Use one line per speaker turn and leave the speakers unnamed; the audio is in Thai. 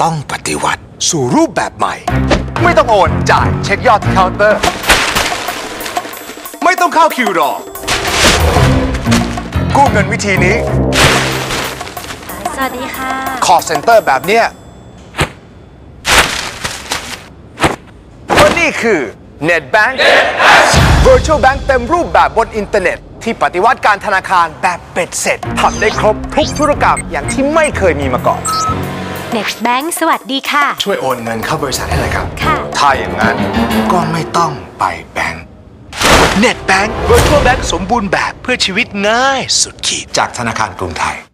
ต้องปฏิวัติสู่รูปแบบใหม่ไม่ต้องโอนจ่ายเช็คยอดที่เคาน์เตอร์ไม่ต้องเข้าคิวรอกู้เงินวิธีนี้
สวัสดีค่ะ
call center แบบเนี้ยเพราะนี่คือ NetBank Virtual Bank เต็มรูปแบบบนอินเทอร์เน็ตที่ปฏิวัติการธนาคารแบบเป็ดเสร็จทำได้ครบทุกธุรกรรมอย่างที่ไม่เคยมีมาก่อน
NetBank สวัสดีค่ะ
ช่วยโอนเงินเข้าบริษัทให้หน่อยครับ
ค่ะ
ถ้าอย่างนั้นก็ไม่ต้องไปแบงก์ NetBank Virtual Bank สมบูรณ์แบบเพื่อชีวิตง่ายสุดขีดจากธนาคารกรุงไทย